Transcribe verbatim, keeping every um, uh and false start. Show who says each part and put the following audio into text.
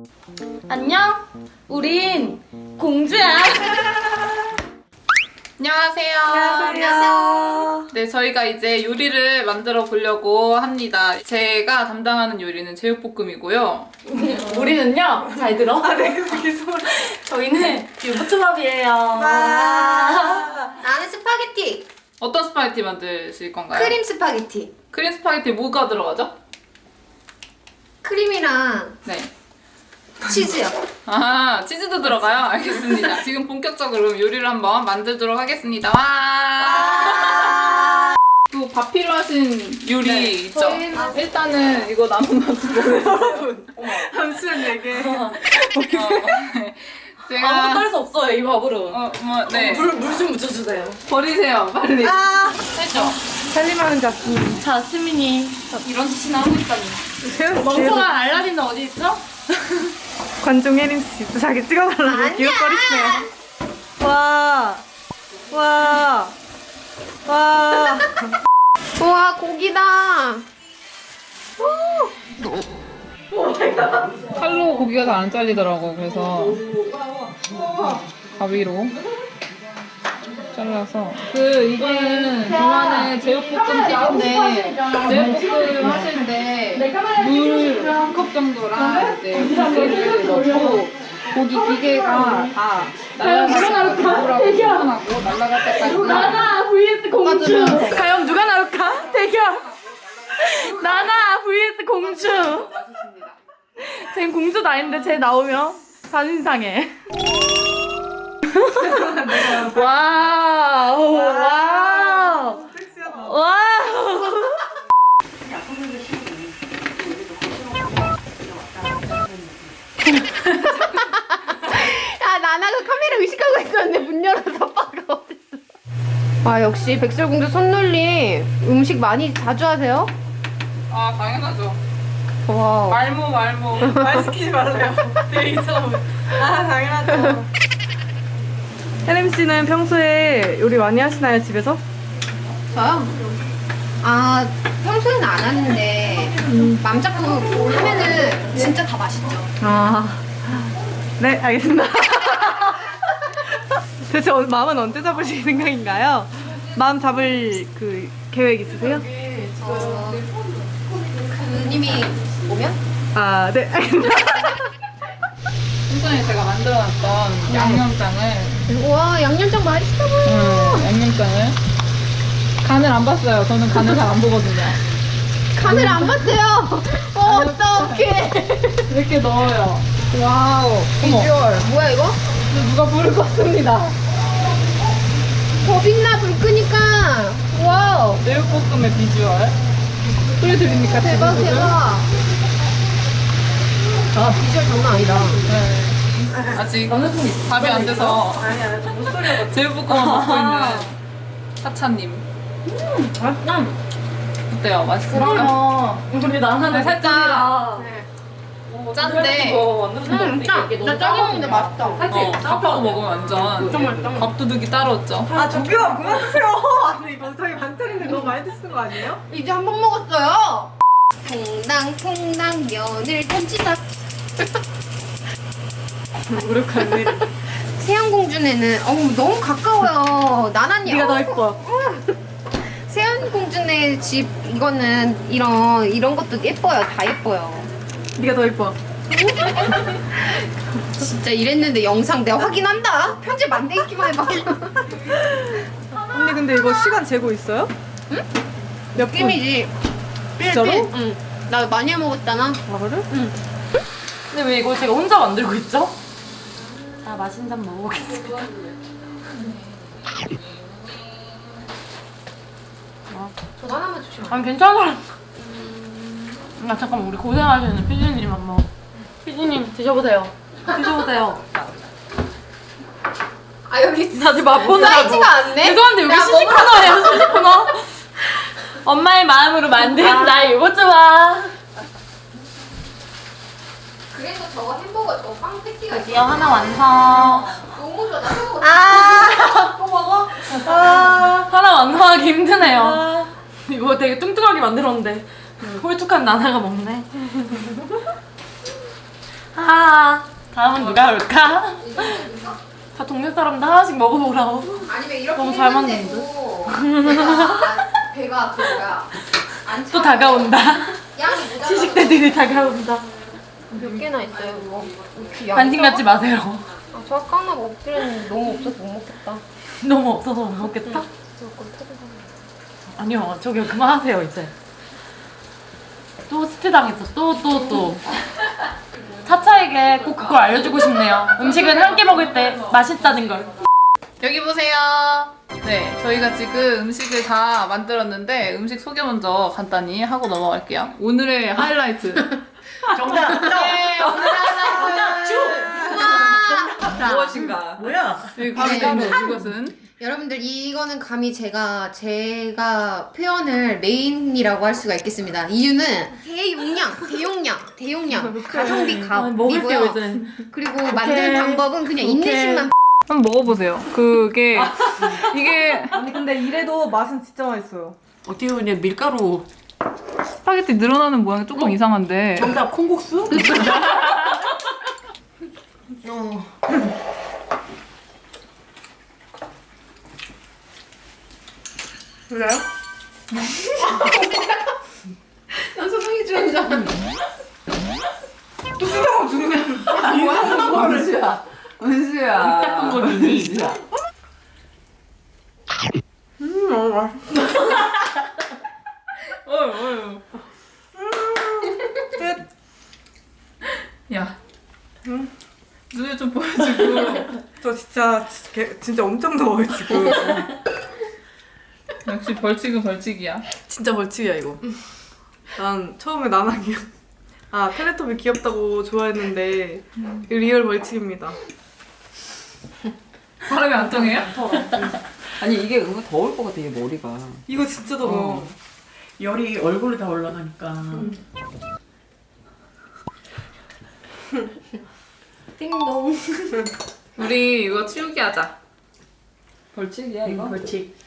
Speaker 1: 안녕? 우린 공주야.
Speaker 2: 안녕하세요.
Speaker 1: 안녕하세요.
Speaker 2: 네, 저희가 이제 요리를 만들어 보려고 합니다. 제가 담당하는 요리는 제육볶음이고요.
Speaker 1: 우리는요, 잘 들어.
Speaker 3: 아, 네, 그렇게 소리.
Speaker 1: 저희는 유부초밥이에요.
Speaker 3: 와.
Speaker 4: 나는 스파게티.
Speaker 2: 어떤 스파게티 만드실 건가요?
Speaker 4: 크림 스파게티.
Speaker 2: 크림 스파게티 뭐가 들어가죠?
Speaker 4: 크림이랑
Speaker 2: 네.
Speaker 4: 치즈요.
Speaker 2: 아, 치즈도 들어가요? 알겠습니다. 지금 본격적으로 요리를 한번 만들도록 하겠습니다. 와! 또 밥 필요하신 요리
Speaker 1: 네,
Speaker 2: 있죠?
Speaker 4: 저희는-
Speaker 2: 아, 일단은 이거 남은 맛 보여주세요.
Speaker 3: 잠시만 얘기해.
Speaker 2: 어, 네. 제가
Speaker 1: 아무것도 할 수 없어요, 이 밥으로.
Speaker 2: 어, 뭐, 네.
Speaker 1: 물, 물 좀 묻혀주세요.
Speaker 2: 버리세요, 빨리.
Speaker 3: 아,
Speaker 2: 했죠?
Speaker 3: 살림하는 자스민.
Speaker 1: 자스민이
Speaker 2: 이런 짓이나 하고 있다니.
Speaker 1: 멍청한 알라딘은 어디 있어?
Speaker 3: 관종 혜림 씨, 또 자기 찍어달라고
Speaker 4: 아니야.
Speaker 3: 기웃거리시네요. 와, 와, 와.
Speaker 4: 우와, 고기다.
Speaker 2: 칼로 고기가 잘 안 잘리더라고. 그래서 가위로 잘라서 그 이거는 저만의 제육볶음 팁인데 제육볶음 하실 때 물 한 컵 정도랑 이제 고기를 넣고 고기 기계가 다 날아갈 때까지 물하고 시원하고 날아갈 때까지
Speaker 1: 나나 vs 공주.
Speaker 2: 볶아주면서
Speaker 1: 과연 누가 나올까? 대결. 나나 vs 공주.
Speaker 2: 맛있습니다.
Speaker 1: 쟤 공주도 아닌데 쟤 나오면 자존심 상해. 와우. 와우.
Speaker 3: 섹시하다.
Speaker 1: 와우.
Speaker 4: 야, 나나가 카메라 의식하고 있었는데 문 열어서 빠가 어딨어. 아, 역시 백설공주 손놀림 음식 많이 자주 하세요?
Speaker 2: 아 당연하죠.
Speaker 4: 와.
Speaker 2: 말모 말모.
Speaker 3: 말 시키지 말래요. 데이처럼. 아, 당연하죠. 혜림 씨는 평소에 요리 많이 하시나요, 집에서?
Speaker 4: 저요? 아, 평소에는 안 하는데 맘 잡고 하면은 진짜 다 맛있죠.
Speaker 3: 아, 네, 알겠습니다. 대체 어- 마음은 언제 잡으실 생각인가요? 마음 잡을 그 계획 있으세요?
Speaker 4: 어, 그님이 오면?
Speaker 3: 아, 네, 알겠습니다.
Speaker 2: 순전히 제가 만들어놨던 양념장을
Speaker 4: 우와, 양념장 맛있어 보여.
Speaker 2: 음, 양념장을 간을 안 봤어요. 저는 간을 잘 안 보거든요.
Speaker 4: 간을 안 봤어요. 어, 어떡해.
Speaker 2: 이렇게 넣어요. 와우. 어머.
Speaker 4: 비주얼. 뭐야, 이거?
Speaker 2: 누가 불을 껐습니다.
Speaker 4: 더 빛나, 불 끄니까. 와우.
Speaker 2: 제육볶음의 비주얼. 보여드립니까?
Speaker 4: 대박,
Speaker 2: 지금?
Speaker 4: 대박. 아, 비주얼 장난 아니다.
Speaker 2: 네. 아직 밥이 안 돼서 제육볶음을 먹고 있는 사차님.
Speaker 1: 맛있다.
Speaker 2: 어때요? 맛있습니까?
Speaker 1: 그러면 우리 나나는
Speaker 2: 네, 살짝
Speaker 4: 네.
Speaker 2: 짠데
Speaker 4: 음, 짜. 나 짜게 먹는데 맛있다.
Speaker 2: 어, 밥하고 먹으면 완전 밥도둑이 따로 없죠.
Speaker 3: 아, 저기요, 그만 드세요. 아니, 이거 저희 반찬인데 너무 많이 드시는 거 아니에요?
Speaker 4: 이제 한 번 먹었어요. 퐁당퐁당 면을 던지다.
Speaker 3: 노력하네.
Speaker 4: 세안공주네는 어우 너무 가까워요. 나나님.
Speaker 3: 네가 더 예뻐.
Speaker 4: 세안공주네 집 이거는 이런 이런 것도 예뻐요. 다 예뻐요.
Speaker 3: 네가 더 예뻐.
Speaker 4: 진짜 이랬는데 영상 내가 확인한다. 편집 안 되기만 해봐.
Speaker 3: 언니 근데 이거 시간 재고 있어요?
Speaker 4: 응?
Speaker 3: 몇 분?
Speaker 4: 느낌이지.
Speaker 3: 진짜로?
Speaker 4: 응. 나 많이 해 먹었잖아.
Speaker 3: 아, 그래?
Speaker 1: 근데 왜 이거 제가 혼자 만들고 있죠? 자, 맛있는 잔 먹어보겠습니다.
Speaker 4: 저 하나만 주시면.
Speaker 1: 아니, 괜찮아. 아, 잠깐만, 우리 고생하시는 피디님 한번. 피디님, 드셔보세요. 드셔보세요.
Speaker 4: 아 여기
Speaker 1: 다들 맛보느라고.
Speaker 4: 사이즈가 않네.
Speaker 1: 죄송한데, 여기
Speaker 4: 야,
Speaker 1: 시식 코너예요, 시식 코너. 엄마의 마음으로 만든 나 이거 좋아.
Speaker 4: 그래서 저거 햄버거 저거 빵 패티가
Speaker 1: 드디어 하나 완성.
Speaker 4: 너무 좋아. 나 저거
Speaker 1: 아,
Speaker 4: 또 먹어?
Speaker 1: 아, 하나 완성하기 힘드네요. 이거 되게 뚱뚱하게 만들었는데 홀쭉한 나나가 먹네. 아, 다음은 누가 올까? 다 동네 사람들 하나씩 먹어보라고.
Speaker 4: 아니면 이렇게
Speaker 1: 너무 잘
Speaker 4: 했는데도 배가 배가 그 뭐야 안
Speaker 1: 또
Speaker 4: 차고
Speaker 1: 다가온다.
Speaker 4: 양이 모자라.
Speaker 1: 시식대들이 다가온다.
Speaker 4: 몇 개나 있어요 그거? 이렇게 양이
Speaker 1: 관심 갖지
Speaker 4: 적어?
Speaker 1: 마세요.
Speaker 4: 아, 저 아까 하나 먹기로 했는데 너무 없어서 못 먹겠다.
Speaker 1: 너무 없어서 못 먹겠다?
Speaker 4: 무조건 터져서.
Speaker 1: 아니요, 저기 그만하세요 이제. 또 스트 당했어. 또 또 또. 차차에게 꼭 그걸 알려주고 싶네요. 음식은 함께 먹을 때 맛있다는 걸.
Speaker 2: 여기 보세요. 네, 저희가 지금 음식을 다 만들었는데 음식 소개 먼저 간단히 하고 넘어갈게요. 오늘의 하이라이트.
Speaker 1: 정답.
Speaker 2: 네, 오늘의 하이라이트.
Speaker 3: 무엇인가?
Speaker 1: 뭐야?
Speaker 2: 여기 바로
Speaker 4: 네.
Speaker 2: 있는 이것은
Speaker 4: 여러분들 이거는 감히 제가 제가 표현을 메인이라고 할 수가 있겠습니다. 이유는 대용량, 대용량, 대용량 가성비
Speaker 1: 아, 먹을 때
Speaker 4: 값이고요.
Speaker 1: 이제
Speaker 4: 그리고 만드는 방법은 그냥 인내심만.
Speaker 2: 한번 먹어보세요. 그게 이게
Speaker 3: 아니 근데 이래도 맛은 진짜 맛있어요.
Speaker 1: 어떻게 보면 밀가루.
Speaker 2: 스파게티 늘어나는 모양이 조금 이상한데
Speaker 1: 정답 콩국수?
Speaker 4: 어.
Speaker 1: 그래요?
Speaker 4: 난 소송이 주는 줄 알았는데.
Speaker 5: 은수야, 은수야.
Speaker 1: 딱 거리니.
Speaker 5: 은수야.
Speaker 1: 음, 너무 맛있어.
Speaker 2: 어휴 어휴 야 눈에 좀 보여주고
Speaker 3: 저 진짜 개- 진짜 엄청 더워요 지금.
Speaker 2: 역시 벌칙은 벌칙이야.
Speaker 3: 진짜 벌칙이야 이거. 난 처음에 나나기 아 텔레토비 귀엽다고 좋아했는데 이거 리얼 벌칙입니다.
Speaker 2: 바람이 안 통해요?
Speaker 5: 아니 이게 은근 더울 것 같아 이 머리가.
Speaker 3: 이거 진짜 더워.
Speaker 5: 어.
Speaker 1: 열이 얼굴에 다 올라가니까.
Speaker 4: 띵동.
Speaker 2: 우리 이거 치우기 하자.
Speaker 5: 벌칙이야 이거?
Speaker 1: 벌칙.